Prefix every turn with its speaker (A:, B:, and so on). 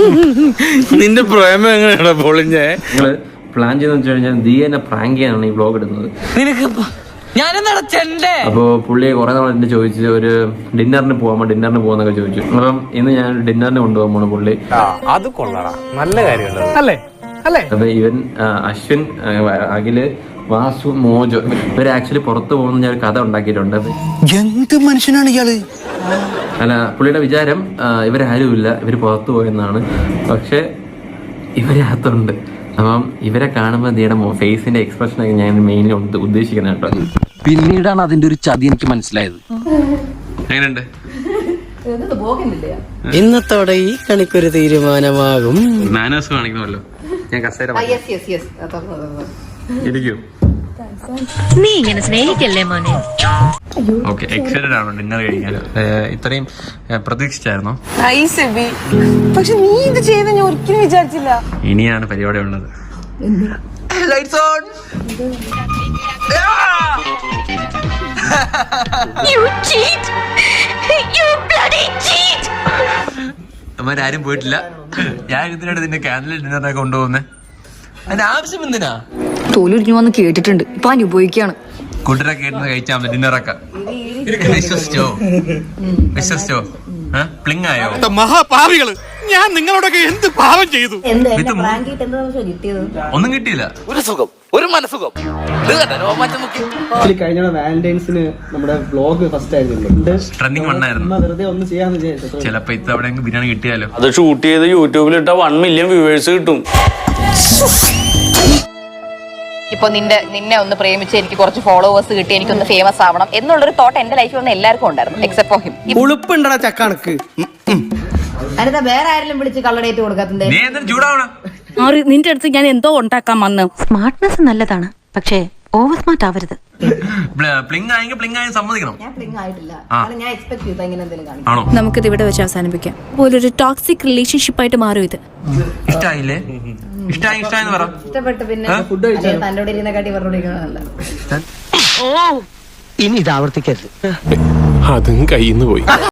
A: നിന്റെ പ്രേമം എങ്ങനെയാണോ പൊളിഞ്ഞേ?
B: നിങ്ങള് പ്ലാൻ ചെയ്തെന്ന് വെച്ച് കഴിഞ്ഞാൽ ദിയനെ പ്രാങ്ക് ചെയ്യാനാണ് ഈ വ്ലോഗ് ഇടുന്നത്. അപ്പൊ പുള്ളിയെ കുറെ നാൾ എന്നെ ചോദിച്ചു ഒരു ഡിന്നറിന് പോകാന്നൊക്കെ ചോദിച്ചു. അപ്പം ഇന്ന് ഞാൻ ഡിന്നറിന് കൊണ്ടുപോകാൻ പോണ പുള്ളി.
A: അത് കൊള്ളാം, നല്ല കാര്യമല്ലേ?
B: അപ്പൊ ഇവൻ അശ്വിൻ, അഖില്, വാസു, മോജോ ഇവര് ആക്ച്വലി പുറത്തു പോകുന്ന ഞാൻ ഒരു കഥ ഉണ്ടാക്കിയിട്ടുണ്ട്.
A: എന്ത് മനുഷ്യനാണ് ഇയാള്?
B: അല്ല, പുള്ളിയുടെ വിചാരം ഇവരാരുമില്ല, ഇവര് പുറത്തു പോയെന്നാണ്. പക്ഷെ ഇവരകത്തുണ്ട്. അപ്പം ഇവരെ കാണുമ്പോൾ ദിയുടെ ഫേസിന്റെ എക്സ്പ്രഷൻ ഒക്കെ ഞാൻ മെയിൻലി ഉദ്ദേശിക്കുന്നത് കേട്ടോ.
C: പിന്നീടാണ് അതിന്റെ ഒരു ചതി എനിക്ക് മനസ്സിലായത്.
B: എങ്ങനെയുണ്ട്?
D: ഇന്നത്തോടെ ഈ കണിക്കൊരു തീരുമാനമാകും.
B: മാനേഴ്സ് കാണിക്കണമല്ലോ. ഞാൻ കസേര ഇരിക്കൂ.
E: നീ ഇങ്ങനെ സ്നേഹിക്കല്ലേ മോനെ.
B: ഓക്കെ, എക്സൈറ്റഡ് ആണോ ഡിന്നർ കഴിക്കാൻ? ഇത്രയും പ്രതീക്ഷിച്ചായിരുന്നോ?
F: പക്ഷെ നീ ഇത് ചെയ്ത ഞാൻ ഒരിക്കലും വിചാരിച്ചില്ല.
B: ഇനിയാണ് പരിപാടി ഉള്ളത്. അവരാരും പോയിട്ടില്ല. ഞാൻ ഇതിനാണ് നിന്നെ കാൻഡിൽ ഡിന്നറിനൊക്കെ കൊണ്ടുപോകുന്നത്. അതിന്റെ ആവശ്യം എന്തിനാ?
G: തോലുരിഞ്ഞു വന്ന് കേട്ടിട്ടുണ്ട്, ഇപ്പൊ അനുഭവിക്കാണ്.
B: കൂട്ടരെ കേട്ടുന്നത് കഴിച്ചാൽ മതി ഡിന്നറൊക്കെ. വിശ്വസിച്ചോ? പ്ലിങ് ആയോ?
A: മഹാപാവികള്, ഞാൻ നിങ്ങളോടൊക്കെ എന്ത് പാവം ചെയ്തു?
B: ഒന്നും കിട്ടിയില്ല.
C: ഒരു സുഖം, ഒരു മനസുഖം.
D: കഴിഞ്ഞ വാലന്റൈൻസിന് നമ്മുടെ വ്ലോഗ് ഫസ്റ്റ് ആയിരുന്നു,
B: ട്രെൻഡിങ് വണ്ണായിരുന്നു.
D: വെറുതെ ഒന്ന് ചെയ്യാന്ന് വിചാരിച്ചു.
B: ചിലപ്പോ ഇത്തവണ ബിരിയാണി കിട്ടിയാലോ?
A: അത് ഷൂട്ട് ചെയ്ത് യൂട്യൂബിൽ ഇട്ട 1 മില്യൺ വ്യൂവേഴ്സ് കിട്ടും.
H: ഇപ്പൊ നിന്നെ ഒന്ന് പ്രേമിച്ച് എനിക്ക് കുറച്ച് ഫോളോവേഴ്സ് കിട്ടി, എനിക്കൊന്ന് ഫേമസ് ആവണം എന്നുള്ളൊരു തോട്ട് എന്റെ ലൈഫിൽ വന്ന് എല്ലാവർക്കും ഉണ്ടായിരുന്നു, എക്സെപ്റ്റ് ഫോർ ഹിം.
D: ഉളുപ്പുണ്ടടാ ചക്കണക്ക്.
G: അതിനകത്ത് വേറെ ആരെങ്കിലും വിളിച്ച് കള്ളടേറ്റ് കൊടുക്കാത്തത്
E: നിന്റെ അടുത്ത് ഞാൻ എന്തോ ഉണ്ടാക്കാൻ വന്നു.
I: സ്മാർട്ട്നെസ് നല്ലതാണ്, പക്ഷേ ഓവർ സ്മാർട്ട് ആവരുത്.
B: പ്ലിങ് ആയെങ്കിൽ പ്ലിങ് ആയി സമ്മതിക്കണം.
G: ഞാൻ പ്ലിങ് ആയിട്ടില്ല, ഞാൻ എക്സ്പെക്ട് ചെയ്തു ഇങ്ങനെ എന്തെങ്കിലും കാണിക്കും.
B: ആണോ?
E: നമുക്കിത് ഇവിടെ വെച്ച് അവസാനിപ്പിക്കാം. പോലൊരു ടോക്സിക് റിലേഷൻഷിപ്പ് ആയിട്ട് മാറും ഇത്.
B: ഇഷ്ടായില്ലേ? ഇഷ്ടായെന്ന് പറ.
G: ഇഷ്ടപ്പെട്ട് പിന്നെ തന്റെ ഇരുന്നക്കാട്ടി പറഞ്ഞോണ്ടിരിക്കണല്ല.
D: ഇനി ഇത് ആവർത്തിക്കരുത്.
A: അതും കയ്യിന്ന് പോയി.